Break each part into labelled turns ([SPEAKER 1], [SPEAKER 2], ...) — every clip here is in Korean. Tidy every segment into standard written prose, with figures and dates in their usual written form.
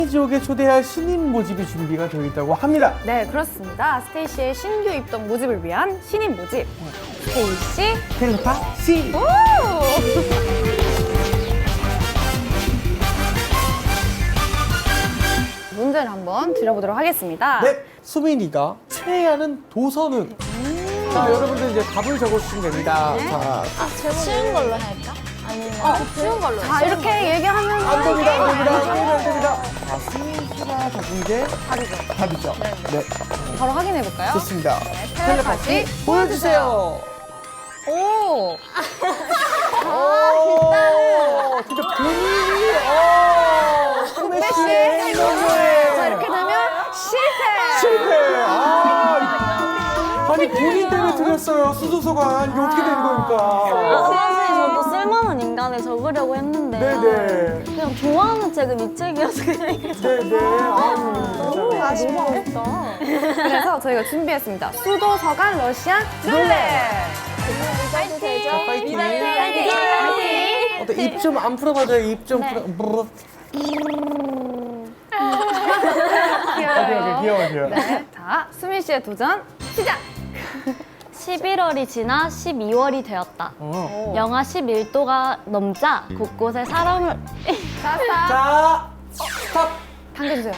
[SPEAKER 1] 지옥에 초대할 신인 모집이 준비가 되어 있다고 합니다.
[SPEAKER 2] 네, 그렇습니다. 스테이시의 신규 입동 모집을 위한 신인 모집. 스테이시
[SPEAKER 1] 텔레파 씨.
[SPEAKER 2] 오! 문제를 한번 드려보도록 하겠습니다.
[SPEAKER 1] 네, 수민이가 최애하는 도서는? 자, 여러분들 이제 답을 적어주시면 됩니다.
[SPEAKER 2] 네.
[SPEAKER 1] 자,
[SPEAKER 3] 쉬운 걸로 할까? 아니면
[SPEAKER 2] 쉬운 걸로. 자, 이렇게 얘기하면
[SPEAKER 1] 안 됩니다, 안 됩니다,
[SPEAKER 2] 아니죠.
[SPEAKER 1] 게임이 안 됩니다. 자, 수민 씨가 적은 게
[SPEAKER 2] 답이죠.
[SPEAKER 1] 답이죠. 네,
[SPEAKER 2] 바로 확인해 볼까요?
[SPEAKER 1] 좋습니다.
[SPEAKER 2] 텔레파시
[SPEAKER 1] 보여주세요.
[SPEAKER 2] 오!
[SPEAKER 1] 오, 진짜 본인이, 수민 씨의 행동을.
[SPEAKER 2] 자, 이렇게 되면 실패!
[SPEAKER 1] 실패! 아니, 본인 때문에 틀렸어요. 수도서가. 이게 어떻게 되는 겁니까?
[SPEAKER 3] 사실 저도 쓸만한 인간에 적으려고 했는데
[SPEAKER 1] 네네.
[SPEAKER 3] 그냥 좋아하는 책은 이 책이어서 그냥 이렇게
[SPEAKER 1] 네네.
[SPEAKER 3] 너무 어렵다.
[SPEAKER 2] 그래서 저희가 준비했습니다. 수도서관 러시안 룰렛!
[SPEAKER 3] 파이팅!
[SPEAKER 1] 파이팅!
[SPEAKER 3] 파이팅!
[SPEAKER 1] 어때, 입 좀 안 풀어봐줘요. 입 좀 풀어. 귀여워.
[SPEAKER 2] 네. 자, 수민 씨의 도전 시작!
[SPEAKER 3] 11월이 지나 12월이 되었다. 영하 11도가 넘자 곳곳에 사람을
[SPEAKER 2] 자,
[SPEAKER 1] 자, 스탑.
[SPEAKER 2] 당겨주세요.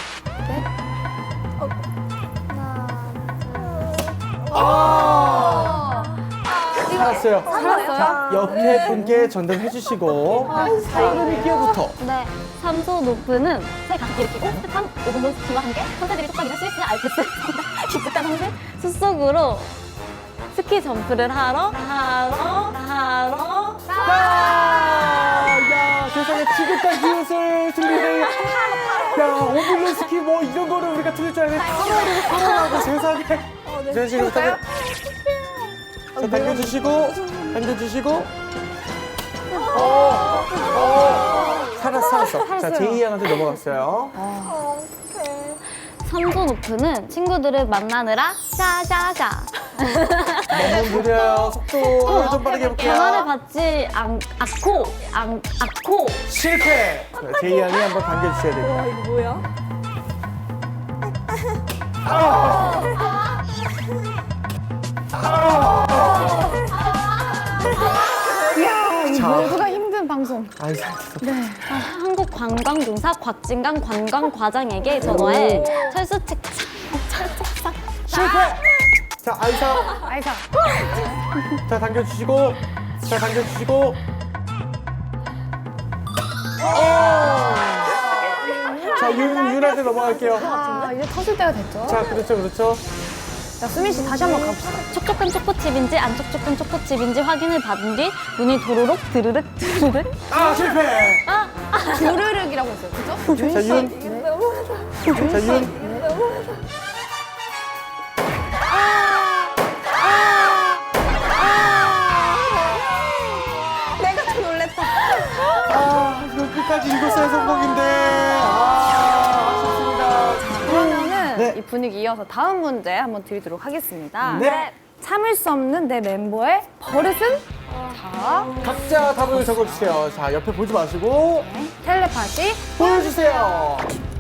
[SPEAKER 1] 살았어요.
[SPEAKER 2] 살았어요?
[SPEAKER 1] 자, 옆에 분께 전달해 주시고. 사이렌 기어부터.
[SPEAKER 3] 네, 삼소 노프는 새 각기를 끼고 습한 오븐 스키와 함께 선수들이 속박이나 스위스 알프스 기특한 황새 숲속으로 스키 점프를 하러
[SPEAKER 1] 야, 세상에 지극한 기웃을 준비해. 야, 오블론 스키 뭐 이런 거를 우리가 틀릴 줄 알았는데 타로하고 세상에. 이런 식으로
[SPEAKER 2] 해볼까요?
[SPEAKER 1] 자, 당겨주시고. 살았어. 자, 제이 양한테 넘어갔어요.
[SPEAKER 3] 삼소 노프는 친구들을 만나느라 샤샤샤
[SPEAKER 1] 너무 느려요. 속도를 좀 빠르게
[SPEAKER 3] 전화를
[SPEAKER 1] 해볼게요.
[SPEAKER 3] 받지 않고
[SPEAKER 1] 실패. 자, 제이 양이 한번 당겨주셔야 됩니다.
[SPEAKER 3] 이거 뭐야?
[SPEAKER 1] 자,
[SPEAKER 2] 모두가 힘든 방송.
[SPEAKER 1] 아이, 살았어.
[SPEAKER 3] 한국관광공사 곽진강 관광과장에게 전화해 철수책
[SPEAKER 1] 실패. 자, 아이사.
[SPEAKER 2] 아이사.
[SPEAKER 1] 자, 당겨주시고. 자, 윤한테 넘어갈게요.
[SPEAKER 2] 아, 이제 터질 때가 됐죠?
[SPEAKER 1] 자, 그렇죠.
[SPEAKER 2] 자, 수민 씨 다시 한번 가봅시다.
[SPEAKER 3] 촉촉한 초코칩인지 안 촉촉한 초코칩인지 확인을 받은 뒤 문이 도로록 드르륵
[SPEAKER 1] 아, 실패.
[SPEAKER 2] 주르륵이라고 했어요. 그죠?
[SPEAKER 1] 자, 윤.
[SPEAKER 2] 내가 더 놀랬다.
[SPEAKER 1] 아, 이거 끝까지 읽었어야 성공인데. 아쉽습니다.
[SPEAKER 2] 그러면은
[SPEAKER 1] 네.
[SPEAKER 2] 이 분위기 이어서 다음 문제 한번 드리도록 하겠습니다.
[SPEAKER 1] 네.
[SPEAKER 2] 참을 수 없는 내 멤버의 버릇은? 자,
[SPEAKER 1] 각자 답을 적어주세요. 자, 옆에 보지 마시고
[SPEAKER 2] 텔레파시.
[SPEAKER 1] 보여주세요.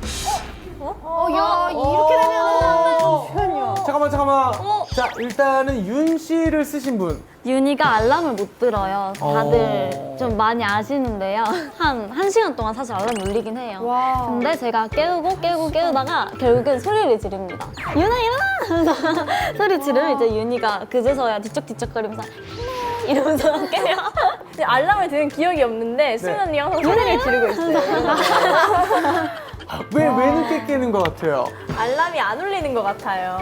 [SPEAKER 2] 야, 이렇게 되면 잠시만요.
[SPEAKER 1] 잠깐만. 자, 일단은 윤 씨를 쓰신 분.
[SPEAKER 3] 윤희가 알람을 못 들어요. 다들
[SPEAKER 1] 어.
[SPEAKER 3] 좀 많이 아시는데요. 한 시간 동안 사실 알람 울리긴 해요.
[SPEAKER 2] 와.
[SPEAKER 3] 근데 제가 깨우다가 결국은 소리를 지릅니다. 윤아 일어나! 하면서 소리 지르면 이제 윤희가 그제서야 뒤척뒤척거리면서 이러면서 깨요.
[SPEAKER 4] 알람을 들은 기억이 없는데 수민 언니가 항상 소리를 지르고 있어요.
[SPEAKER 1] 왜 늦게 깨는 것 같아요?
[SPEAKER 4] 알람이 안 울리는 것 같아요.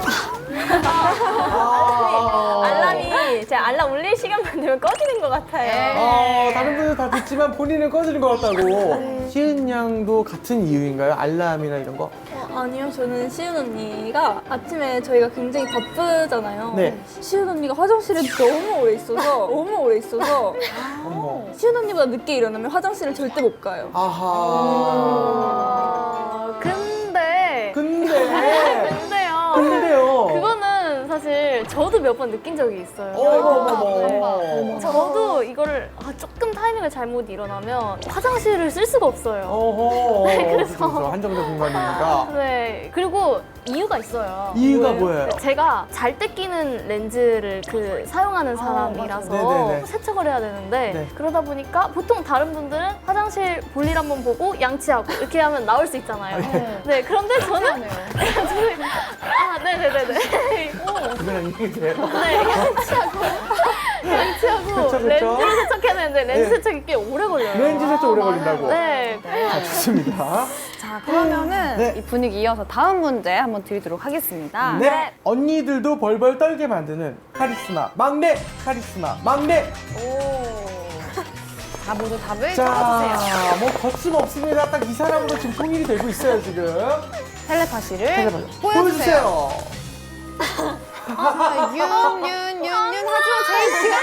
[SPEAKER 1] 아.
[SPEAKER 4] 알람이 제 알람 울릴 시간만 되면 꺼지는 것 같아요.
[SPEAKER 1] 다른 분들 다 듣지만 본인은 꺼지는 것 같다고. 시은 양도 같은 이유인가요? 알람이나 이런 거?
[SPEAKER 4] 아니요, 저는 시은 언니가 아침에 저희가 굉장히 바쁘잖아요.
[SPEAKER 1] 네.
[SPEAKER 4] 시은 언니가 화장실에 너무 오래 있어서
[SPEAKER 1] 어머.
[SPEAKER 4] 시은 언니보다 늦게 일어나면 화장실을 절대 못 가요.
[SPEAKER 1] 아하.
[SPEAKER 2] 근데
[SPEAKER 4] 근데요.
[SPEAKER 1] 근데요.
[SPEAKER 4] 그거는 사실 저도 몇 번 느낀 적이 있어요.
[SPEAKER 1] 어머머머.
[SPEAKER 4] 저도 이거를 조금 타이밍을 잘못 일어나면 화장실을 쓸 수가 없어요.
[SPEAKER 1] 어허.
[SPEAKER 4] 그래서-
[SPEAKER 1] 그렇죠. 한정된 공간이니까.
[SPEAKER 4] 네, 그리고 이유가 있어요.
[SPEAKER 1] 이유가 뭐예요?
[SPEAKER 4] 제가 잘 때 끼는 렌즈를 사용하는 사람이라서
[SPEAKER 1] 네네네.
[SPEAKER 4] 세척을 해야 되는데
[SPEAKER 1] 네.
[SPEAKER 4] 그러다 보니까 보통 다른 분들은 화장실 볼일 한번 보고 양치하고 이렇게 하면 나올 수 있잖아요. 네, 그런데 저는 네네네네.
[SPEAKER 1] 그냥 이게 돼요.
[SPEAKER 4] 네, 양치하고
[SPEAKER 1] 그쵸, 그쵸.
[SPEAKER 4] 렌즈를 세척해야 되는데 렌즈
[SPEAKER 1] 네.
[SPEAKER 4] 세척이 꽤 오래 걸려요.
[SPEAKER 1] 렌즈 세척 오래 걸린다고.
[SPEAKER 4] 네.
[SPEAKER 1] 자, 좋습니다.
[SPEAKER 2] 자, 그러면은
[SPEAKER 1] 네.
[SPEAKER 2] 이 분위기 이어서 다음 문제 한번 드리도록 하겠습니다.
[SPEAKER 1] 네. 언니들도 벌벌 떨게 만드는 카리스마 막내, 카리스마 막내.
[SPEAKER 2] 자, 모두 답을
[SPEAKER 1] 자,
[SPEAKER 2] 적어주세요.
[SPEAKER 1] 뭐 거침없습니다. 딱 이 사람으로 지금 통일이 되고 있어요, 지금.
[SPEAKER 2] 텔레파시를
[SPEAKER 1] 보여주세요.
[SPEAKER 2] 아, 하지만 제이씨가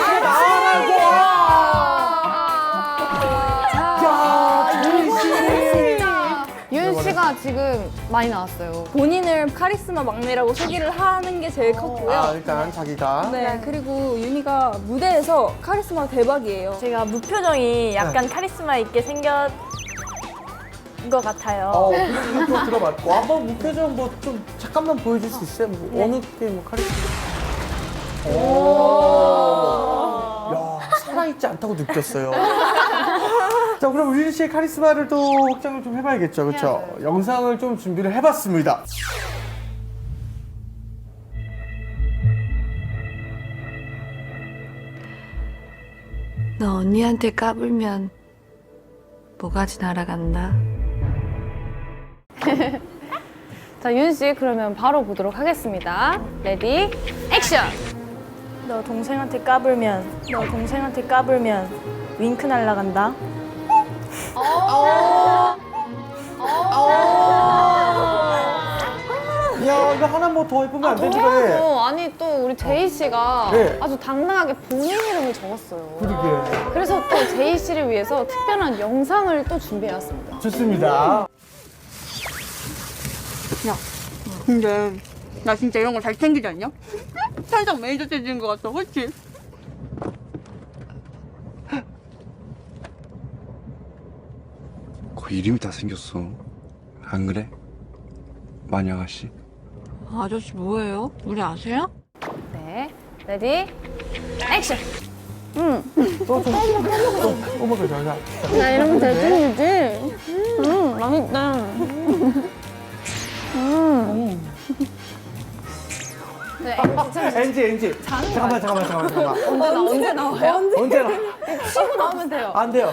[SPEAKER 1] 야, 제이씨.
[SPEAKER 2] 윤 씨가 지금 많이 나왔어요.
[SPEAKER 4] 본인을 카리스마 막내라고 소개를 하는 게 제일 컸고요.
[SPEAKER 1] 아, 일단 자기가.
[SPEAKER 5] 네, 그리고 윤희가 무대에서 카리스마 대박이에요.
[SPEAKER 4] 제가 무표정이 약간 카리스마 있게 생겼 것 같아요.
[SPEAKER 1] 이거 들어봤고. 한번 무표정 뭐 좀 잠깐만 보여줄 수 있어요? 뭐 어느 게 뭐 카리스마. 야, 살아있지 않다고 느꼈어요. 자, 그럼 우진 씨의 카리스마를 또 확장을 좀 해봐야겠죠, 그렇죠? 영상을 좀 준비를 해봤습니다.
[SPEAKER 6] 너 언니한테 까불면 뭐가지 날아간다.
[SPEAKER 2] 자, 윤 씨, 그러면 바로 보도록 하겠습니다. 레디, 액션!
[SPEAKER 4] 너 동생한테 까불면 윙크 날라간다.
[SPEAKER 1] 야, 이거 하나 뭐 더 해보면 안 되지, 그래?
[SPEAKER 2] 아니, 또 우리 제이 씨가
[SPEAKER 1] 네.
[SPEAKER 2] 아주 당당하게 본인 이름을 적었어요.
[SPEAKER 1] 그러게.
[SPEAKER 2] 그래서 또 제이 씨를 위해서 특별한 영상을 또 준비해왔습니다.
[SPEAKER 1] 좋습니다.
[SPEAKER 7] 근데 나 진짜 이런 거 잘 챙기지 않냐? 살짝 매니저 체질인 것 같아, 그렇지?
[SPEAKER 8] 거의 이름이 다 생겼어. 안 그래? 마녀 아가씨?
[SPEAKER 6] 아저씨 뭐예요? 우리 아세요?
[SPEAKER 2] 네, 레디, 액션!
[SPEAKER 1] 오버가 잘 가.
[SPEAKER 3] 나 이러면 대충이지. 맛있다.
[SPEAKER 2] 네,
[SPEAKER 1] 엔지. 잠깐만.
[SPEAKER 2] 언제 나와요?
[SPEAKER 1] 언제 나?
[SPEAKER 2] 치고 나오면 돼요.
[SPEAKER 1] 안 돼요.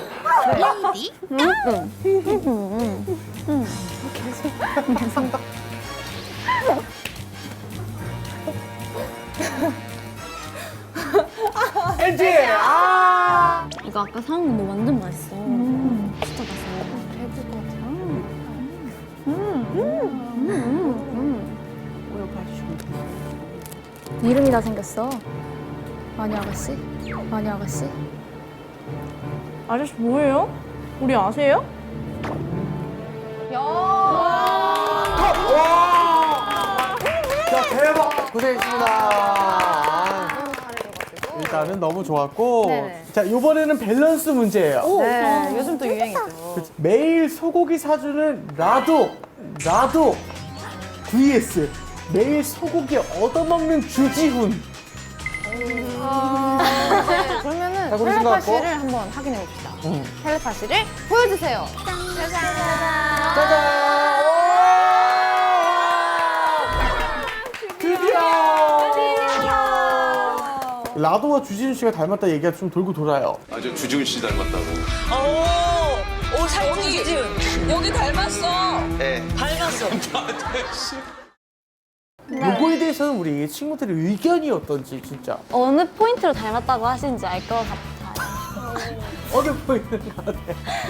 [SPEAKER 1] 엔지! 아!
[SPEAKER 3] 이거 아까 사온 건데 완전 맛있어. 진짜 맛있어. 해볼 것 같아.
[SPEAKER 4] 이름이 다 생겼어. 마녀 아가씨? 아저씨 뭐예요? 우리 아세요?
[SPEAKER 1] 자, 대박! 고생했습니다. 일단은 너무 좋았고.
[SPEAKER 2] 네네.
[SPEAKER 1] 자, 이번에는 밸런스 문제예요.
[SPEAKER 2] 네, 요즘 또 유행이죠.
[SPEAKER 1] 매일 소고기 사주는 라도 vs 매일 소고기 얻어먹는 주지훈.
[SPEAKER 2] 그러면은
[SPEAKER 1] 자, 그러신 것 같고.
[SPEAKER 2] 텔레파시를 한번 확인해 봅시다. 텔레파시를 보여주세요.
[SPEAKER 1] 짜잔! 드디어! 라도와 주지훈 씨가 닮았다 얘기가 좀 돌고 돌아요.
[SPEAKER 9] 아, 저 주지훈 씨 닮았다고.
[SPEAKER 10] 오, 살찐 주지훈. 여기 닮았어.
[SPEAKER 9] 네.
[SPEAKER 10] 닮았어.
[SPEAKER 1] 요거에 대해서는 우리 친구들의 의견이 어떤지 진짜
[SPEAKER 3] 어느 포인트로 닮았다고 하시는지 알 것 같아요.
[SPEAKER 1] 어느 보이는 것 같아.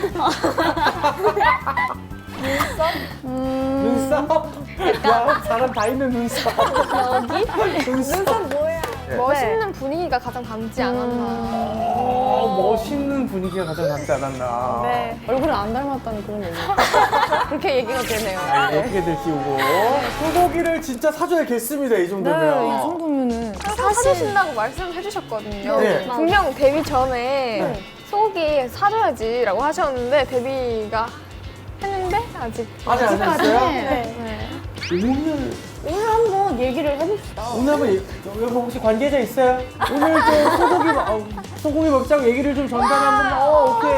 [SPEAKER 1] 눈썹? 야, 사람 다 있는 눈썹.
[SPEAKER 3] 여기?
[SPEAKER 1] 눈썹 뭐야?
[SPEAKER 2] 멋있는 분위기가 가장 닮지 않았나.
[SPEAKER 1] 멋있는 분위기가 가장 낫지 않았나.
[SPEAKER 2] 네. 얼굴을 안 닮았다는 그런 얘기. 그렇게 얘기가 되네요.
[SPEAKER 1] 어떻게들 키우고. 소고기를 진짜 사줘야겠습니다, 이 정도면.
[SPEAKER 2] 이 정도면은.
[SPEAKER 4] 사주신다고 말씀해 주셨거든요.
[SPEAKER 1] 네.
[SPEAKER 4] 분명 데뷔 전에
[SPEAKER 1] 네.
[SPEAKER 2] 속이 사줘야지라고 하셨는데 데뷔가 했는데 아직
[SPEAKER 1] 아직 안 했어요?
[SPEAKER 2] 네.
[SPEAKER 1] 오늘
[SPEAKER 2] 한번 얘기를 해봅시다.
[SPEAKER 1] 한번 여기 혹시 관계자 있어요? 오늘 좀 소고기 먹자고 얘기를 좀 전달해 한번. 오케이.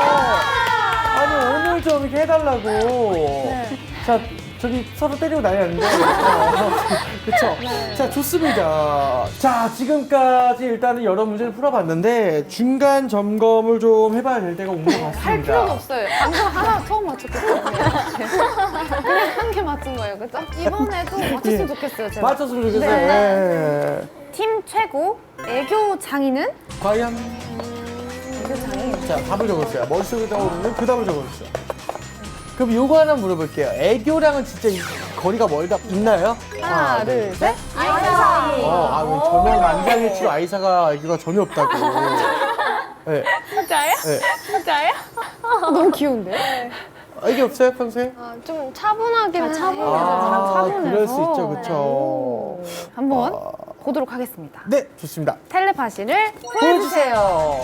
[SPEAKER 1] 아니 오늘 좀 이렇게 해달라고. 자 저기 서로 때리고 난리 났는데. 그쵸? 자 좋습니다. 자 지금까지 일단은 여러 문제를 풀어봤는데 중간 점검을 좀 해봐야 될 때가 온 것 같습니다.
[SPEAKER 2] 할 필요가 없어요. 방금 하나 처음 맞췄기 때문에 그냥 한 개 맞춘 거예요, 그죠? 이번에도 맞췄으면 좋겠어요, 제가.
[SPEAKER 1] 맞췄으면 좋겠어요. 네.
[SPEAKER 2] 팀 최고 애교 장인은?
[SPEAKER 1] 과연?
[SPEAKER 2] 애교 장인.
[SPEAKER 1] 자, 답을 적었어요. 머릿속에 떠오르는 그 답을 적어주세요. 그럼 요거 하나 물어볼게요. 애교랑은 진짜 거리가 멀다 있나요?
[SPEAKER 2] 하나, 둘, 셋.
[SPEAKER 1] 아이사. 전혀 만장일치로 아이사가 애교가 전혀 없다고. 네.
[SPEAKER 2] 진짜요?
[SPEAKER 1] 네.
[SPEAKER 2] 진짜요? 너무 귀여운데?
[SPEAKER 1] 애교 없어요, 평소에?
[SPEAKER 2] 좀 차분하긴 해요.
[SPEAKER 1] 차분해서. 그럴 수 있죠, 그쵸.
[SPEAKER 2] 한번 보도록 하겠습니다.
[SPEAKER 1] 네, 좋습니다.
[SPEAKER 2] 텔레파시를
[SPEAKER 1] 보여주세요.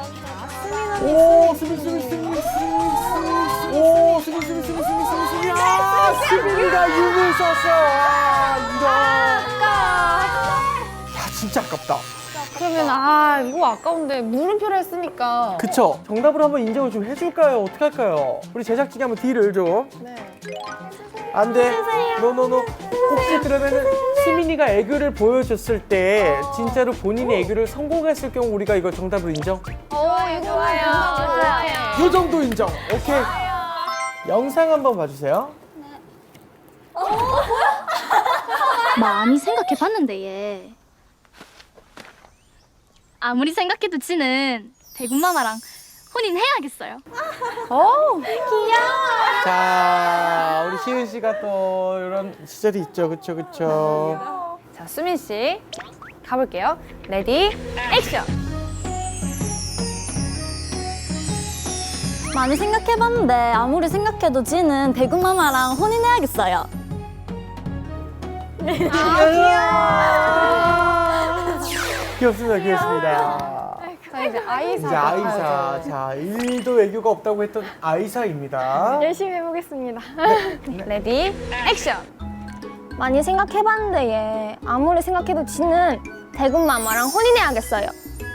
[SPEAKER 1] 오, 수빈. 오, 수빈. 아, 수빈이가 윤을 썼어. 야, 진짜 아깝다.
[SPEAKER 2] 그러면 이거 아까운데 물음표를 했으니까.
[SPEAKER 1] 그쵸? 정답으로 한번 인정을 좀 해줄까요? 어떡할까요? 우리 제작진이 한번 딜을 좀.
[SPEAKER 2] 네.
[SPEAKER 1] 안 돼. 노노노. 혹시 그러면은 수민이가 애교를 보여줬을 때 진짜로 본인이 애교를 성공했을 경우 우리가 이거 정답으로 인정?
[SPEAKER 2] 이거 좋아요.
[SPEAKER 1] 요 정도 인정. 오케이. 영상 한번 봐주세요.
[SPEAKER 3] 많이 생각해봤는데 얘 아무리 생각해도 지는 대군마마랑 혼인해야겠어요.
[SPEAKER 1] 자, 우리 시은 씨가 또 이런 시절이 있죠. 그쵸.
[SPEAKER 2] 자, 수민 씨 가볼게요. 레디, 액션.
[SPEAKER 3] 많이 생각해봤는데 아무리 생각해도 지는 대군마마랑 혼인해야겠어요.
[SPEAKER 1] 귀엽습니다.
[SPEAKER 2] 자, 이제 아이사.
[SPEAKER 1] 이제 아이사. 자, 1도 애교가 없다고 했던 아이사입니다.
[SPEAKER 2] 열심히 해보겠습니다. 레디, 액션.
[SPEAKER 3] 많이 생각해봤는데 얘 아무리 생각해도 지는 대군마마랑 혼인해야겠어요.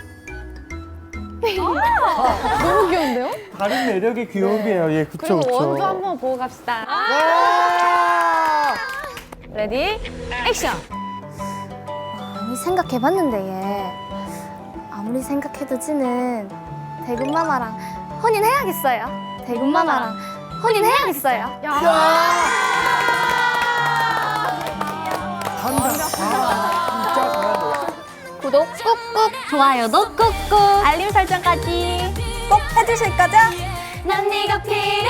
[SPEAKER 2] 너무 귀여운데요?
[SPEAKER 1] 다른 매력의 귀여움이에요. 예, 그쵸,
[SPEAKER 2] 그리고
[SPEAKER 1] 그쵸.
[SPEAKER 2] 원도 한번 보고 갑시다. 레디, 액션.
[SPEAKER 3] 많이 생각해봤는데 얘 아무리 생각해도 지는 대군마마랑 혼인해야겠어요. 대군마마랑 혼인해야겠어요.
[SPEAKER 1] 진짜 잘한다.
[SPEAKER 3] 구독 꾹꾹, 좋아요도 꾹꾹, 알림 설정까지 꼭 해주실 거죠? 난 네가 필요해.